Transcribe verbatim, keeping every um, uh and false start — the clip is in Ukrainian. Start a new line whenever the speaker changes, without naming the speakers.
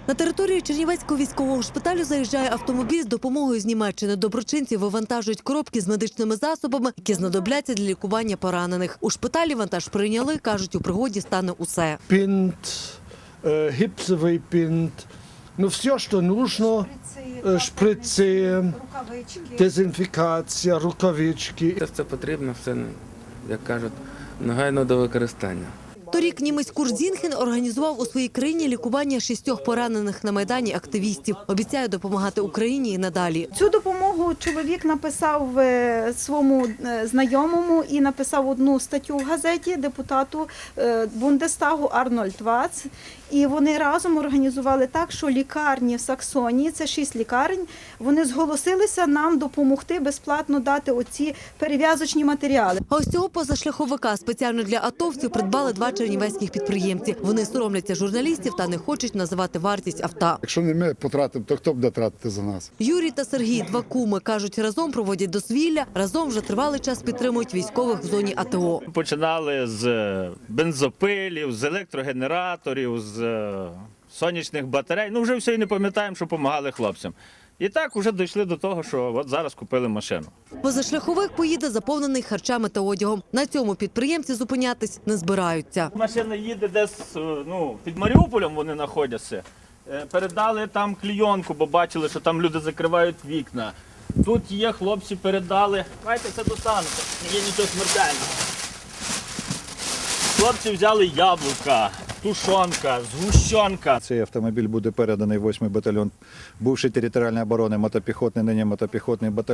На територію Чернівецького військового шпиталю заїжджає автомобіль з допомогою з Німеччини. Доброчинці вивантажують коробки з медичними засобами, які знадобляться для лікування поранених. У шпиталі вантаж прийняли, кажуть, у пригоді стане усе.
Бинт, гипсовий бинт, ну все, що нужно, шприци, дезінфікація, рукавички.
Це все потрібно, все, як кажуть, негайно до використання.
Торік німець Курт Зінхен організував у своїй країні лікування шістьох поранених на Майдані активістів. Обіцяє допомагати Україні і надалі.
Цю допомогу чоловік написав е, своєму е, знайомому і написав одну статтю в газеті депутату е, Бундестагу Арнольд Вац. І вони разом організували так, що лікарні в Саксонії, це шість лікарень, вони зголосилися нам допомогти безплатно дати оці перев'язочні матеріали.
А ось цього позашляховика спеціально для атовців придбали два чернівецьких підприємці. Вони соромляться журналістів та не хочуть називати вартість авто.
Якщо не ми потратимо, то хто буде тратити за нас?
Юрій та Сергій, два куми, кажуть, разом проводять дозвілля, разом вже тривалий час підтримують військових в зоні АТО.
Починали з бензопилів, з електрогенераторів, з сонячних батарей. Ну, вже все і не пам'ятаємо, що допомагали хлопцям. І так вже дійшли до того, що от зараз купили машину.
Позашляховик поїде заповнений харчами та одягом. На цьому підприємці зупинятись не збираються.
Машина їде десь, ну, під Маріуполем вони знаходяться. Передали там клійонку, бо бачили, що там люди закривають вікна. Тут є, хлопці передали. Давайте це достанете, не є нічого смертельного. Хлопці взяли яблука, тушонка, згущенка.
Цей автомобіль буде переданий восьмий батальйон бувшої територіальної оборони мотопіхотний, нині мотопіхотний батальйон.